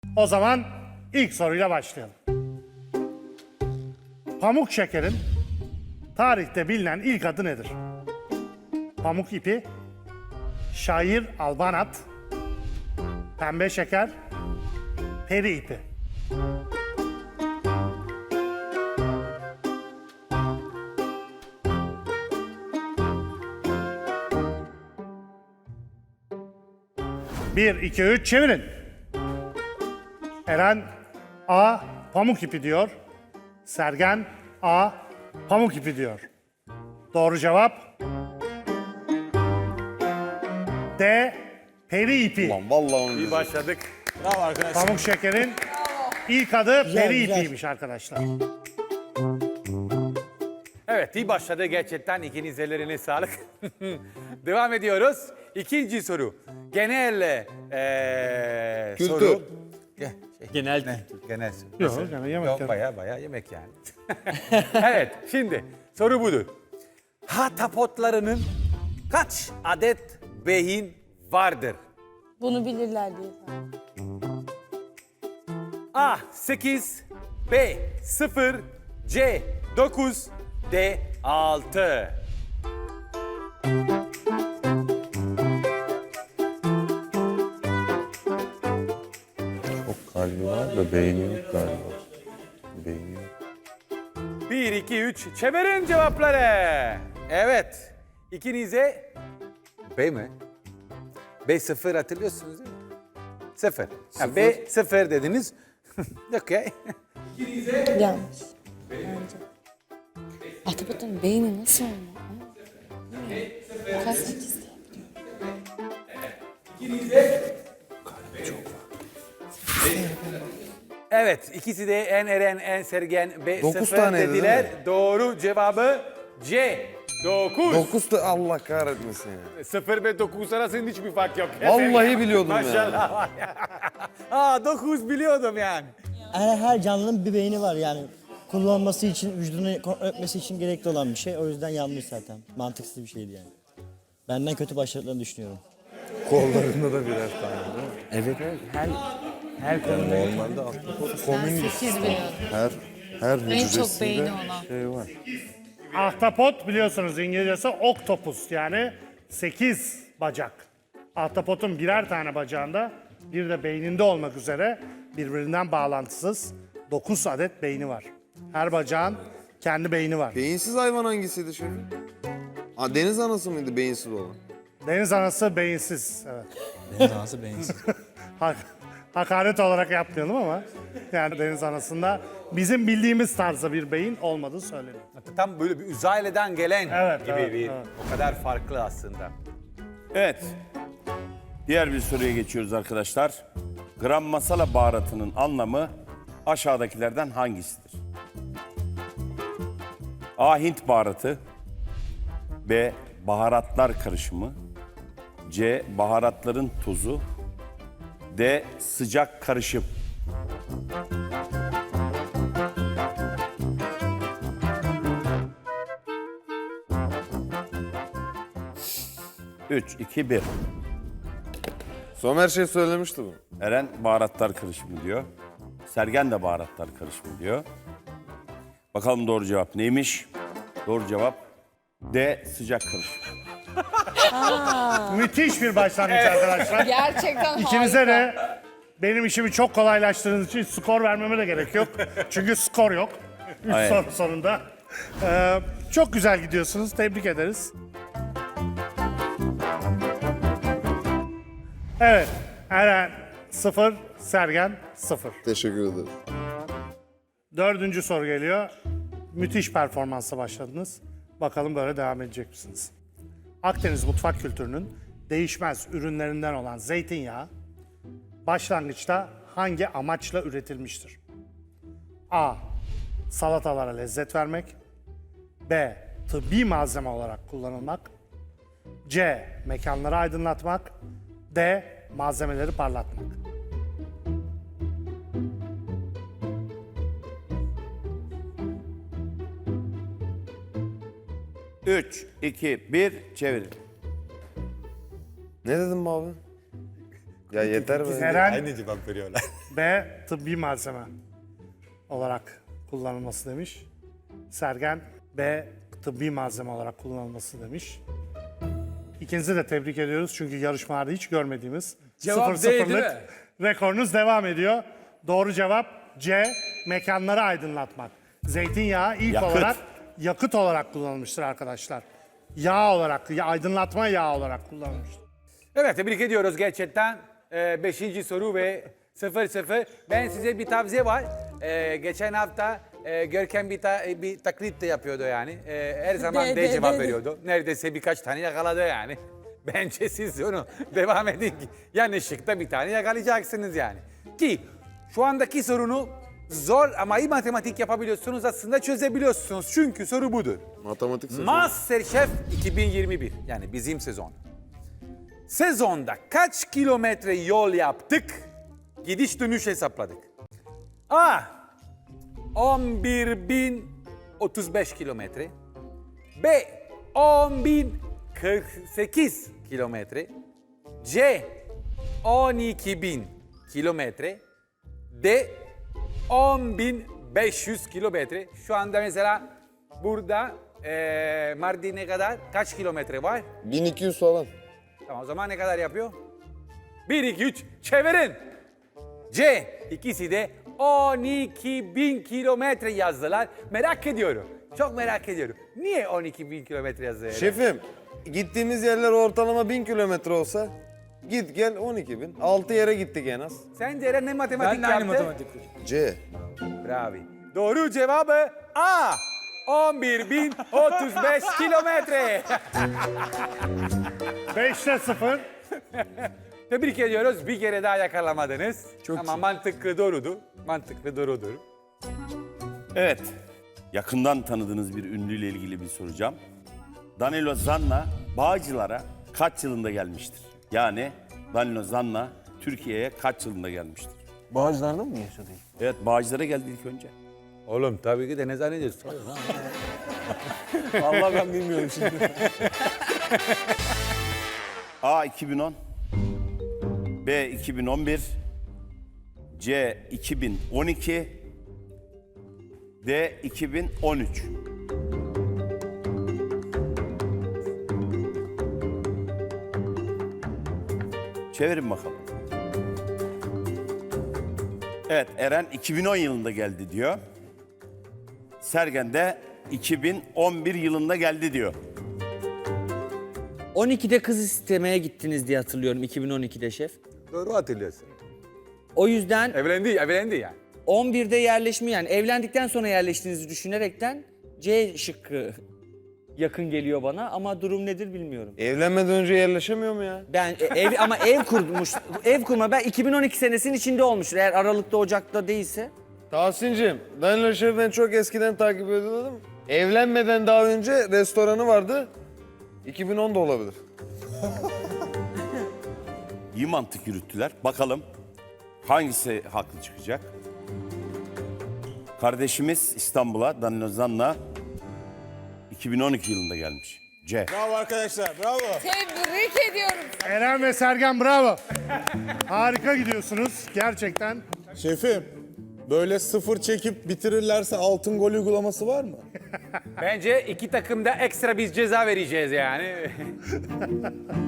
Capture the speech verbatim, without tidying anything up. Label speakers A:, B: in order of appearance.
A: O zaman ilk soruyla başlayalım. Pamuk şekerin tarihte bilinen ilk adı nedir? Pamuk ipi, şair albanat, pembe şeker, peri ipi. Bir, iki, üç, çevirin. Eren A. Pamuk ipi diyor. Sergen A. Pamuk ipi diyor. Doğru cevap D. Peri ipi.
B: Lan vallahi onu
C: İyi başladık. Bravo arkadaşlar.
A: Pamuk şekerin ilk adı peri
D: güzel.
A: ipiymiş arkadaşlar.
C: Evet, iyi başladı gerçekten. İkiniz ellerine sağlık. Devam ediyoruz. İkinci soru. Genel eee
B: Kültür.
C: soru. Ge- şey,
E: Genel
C: ne? Genel soru.
A: Yok,
C: Nasıl?
A: yani yemek
C: Yok,
A: yani.
C: baya baya yemek yani. Evet, şimdi soru budur. Hatapotlarının kaç adet beyin vardır?
D: Bunu bilirler diye.
C: A. sekiz, B. sıfır, C. dokuz, D. altı.
B: Çok kalbi var da beyni yok galiba. Beyni yok.
C: bir, iki, üç. Çevirin cevapları. Evet. İkinize B mi? B sıfır hatırlıyorsunuz değil mi? Sıfır. Ha, B sıfır dediniz. Okey.
D: Yanlış. Bence. Ahtapotun beyni nasıl olmalı? Kaç sekiz
C: Evet. ikisi de en Eren, en Sergen B
B: Dokuz
C: sıfır
B: taneydi, değil
C: dediler.
B: mi?
C: Doğru cevabı C. dokuz.
B: Dokuz da Allah kahretmesin ya.
C: sıfır ve dokuz arasında hiçbir fark yok.
B: Vallahi biliyordum ya.
C: Maşallah var ya. Aa dokuz biliyordum yani.
F: Her, her canlının bir beyni var yani. Kullanması için, vücudunu kontrol etmesi için gerekli olan bir şey. O yüzden yanlış zaten. Mantıksız bir şeydi yani. Benden kötü başladıklarını düşünüyorum.
B: Kollarında da birer tane değil mi?
E: Evet evet. Her her konuda.
B: Normalde ahtapot komünist.
D: sekiz biliyordum.
B: Her her
D: çok
B: hücresinde
D: beyni olan.
B: şey var.
A: Ahtapot biliyorsunuz İngilizcesi oktopus yani sekiz bacak. Ahtapotun birer tane bacağında bir de beyninde olmak üzere birbirinden bağlantısız dokuz adet beyni var. Her bacağın kendi beyni var.
B: Beyinsiz hayvan hangisiydi şefim? Aa, deniz anası mıydı beyinsiz olan?
A: Deniz anası beyinsiz. Evet.
E: Deniz anası beyinsiz.
A: Hak, hakaret olarak yapmayalım ama yani deniz anasında bizim bildiğimiz tarzda bir beyin olmadığı söyleniyor.
C: Tam böyle bir uzaylıdan gelen
A: Evet,
C: gibi
A: evet,
C: bir
A: evet.
C: o kadar farklı aslında.
G: Evet. Diğer bir soruya geçiyoruz arkadaşlar. Gram masala baharatının anlamı aşağıdakilerden hangisidir? A. Hint baharatı. B. Baharatlar karışımı. C. Baharatların tuzu. D. Sıcak karışım. Üç, iki, bir.
B: Somer şey söylemişti bu.
G: Eren baharatlar karışımı diyor. Sergen de baharatlar karışımı diyor. Bakalım doğru cevap neymiş? Doğru cevap D. Sıcak karışım.
A: Müthiş bir başlangıç arkadaşlar.
D: Gerçekten
A: İkinize de benim işimi çok kolaylaştırdığınız için skor vermeme de gerek yok. Çünkü skor yok. Üç
G: Aynen.
A: soru sonunda. Ee, çok güzel gidiyorsunuz. Tebrik ederiz. Evet. Eren sıfır, Sergen sıfır.
B: Teşekkür ederim.
A: Dördüncü soru geliyor. Müthiş performansla başladınız. Bakalım böyle devam edecek misiniz? Akdeniz mutfak kültürünün değişmez ürünlerinden olan zeytinyağı başlangıçta hangi amaçla üretilmiştir? A. Salatalara lezzet vermek. B. Tıbbi malzeme olarak kullanılmak. C. Mekanları aydınlatmak. D. Malzemeleri parlatmak.
G: Üç, iki, bir, çevirin.
B: Ne dedim bu abi? Ya yeter be.
A: Eren
C: Aynı cevap veriyorlar.
A: B. Tıbbi malzeme olarak kullanılması demiş. Sergen B. Tıbbi malzeme olarak kullanılması demiş. İkinizi de tebrik ediyoruz çünkü yarışmalarda hiç görmediğimiz
C: Cevap
A: sıfır
C: D değil
A: sıfırlık
C: mi?
A: rekorunuz devam ediyor. Doğru cevap C. Mekanları aydınlatmak. Zeytinyağı ilk
G: Yakıt.
A: olarak yakıt olarak kullanılmıştır arkadaşlar. Yağ olarak, ya- aydınlatma yağı olarak kullanılmıştır.
C: Evet, tebrik ediyoruz gerçekten. Ee, beşinci soru ve sıfır sıfır. Ben size bir tavsiye var. Ee, geçen hafta e, Görkem bir, ta, bir taklit de yapıyordu yani. Ee, her zaman
D: De,
C: D
D: de,
C: cevap
D: de, de.
C: veriyordu. Neredeyse birkaç tane yakaladı yani. Bence siz onu devam edin ki yanlışlıkla bir tane yakalayacaksınız yani. Ki şu andaki sorunu zor ama iyi matematik yapabiliyorsunuz aslında çözebiliyorsunuz. Çünkü soru budur.
B: Matematik sezonu.
C: MasterChef iki bin yirmi bir yani bizim sezon. Sezonda kaç kilometre yol yaptık? Gidiş dönüş hesapladık. A. on bir bin otuz beş kilometre. B. on bin kırk sekiz kilometre. C. on iki bin kilometre. D. on bin beş yüz kilometre. Şu anda mesela burada eee Mardin'e kadar kaç kilometre var?
B: bin iki yüz falan.
C: Tamam o zaman ne kadar yapıyor? bir, iki, üç çevirin. C. İkisi de on iki bin kilometre yazdılar. Merak ediyorum. Çok merak ediyorum. Niye on iki bin kilometre yazdılar?
H: Şefim, gittiğimiz yerler ortalama bin kilometre olsa git gel on iki bin. Altı yere gittik en az.
C: Sence Eren ne matematik
E: Ben de aynı
C: yaptı?
E: matematik.
B: C.
C: Bravo. Doğru cevabı A. on bir bin otuz beş kilometre.
A: beşte sıfır.
C: Tebrik ediyoruz. Bir kere daha yakalamadınız. Çok Ama mantıklı doğrudu. Mantıklı doğrudur.
G: Evet. Yakından tanıdığınız bir ünlüyle ilgili bir soracağım. Danilo Zanna Bağcılar'a kaç yılında gelmiştir? Yani Danilo Zanna Türkiye'ye kaç yılında gelmiştir?
B: Bağcılar'da mı yaşadı?
G: Evet, Bağcılar'a geldi ilk önce.
C: Oğlum tabii ki de ne zannediyorsun?
B: Vallahi ben bilmiyorum şimdi.
G: A iki bin on, B iki bin on bir, C iki bin on iki, D iki bin on üç. Çevirin bakalım. Evet, Eren iki bin on yılında geldi diyor. Sergen de iki bin on bir yılında geldi diyor.
E: on ikide kız istemeye gittiniz diye hatırlıyorum iki bin on ikide şef.
C: Doğru hatırlıyorsun.
E: O yüzden
C: Evlendi, evlendi yani.
E: on birde yerleşme yani evlendikten sonra yerleştiğinizi düşünerekten C şıkkı yakın geliyor bana ama durum nedir bilmiyorum.
H: Evlenmeden önce yerleşemiyor mu ya?
E: Ben e, ev ama ev kurmuş. Ev kurma ben iki bin on iki senesinin içinde olmuştur. Eğer Aralık'ta Ocak'ta değilse.
H: Tahsin'cim, Danilo Şef'i ben çok eskiden takip ediyordum. Evlenmeden daha önce restoranı vardı. iki bin on da olabilir.
G: İyi mantık yürüttüler. Bakalım hangisi haklı çıkacak? Kardeşimiz İstanbul'a Danilo Zanna iki bin on iki yılında gelmiş. C.
I: Bravo arkadaşlar, bravo.
D: Tebrik ediyorum.
A: Eren ve Sergen bravo. Harika gidiyorsunuz gerçekten.
I: Şefim, böyle sıfır çekip bitirirlerse altın gol uygulaması var mı?
C: Bence iki takımda ekstra biz ceza vereceğiz yani.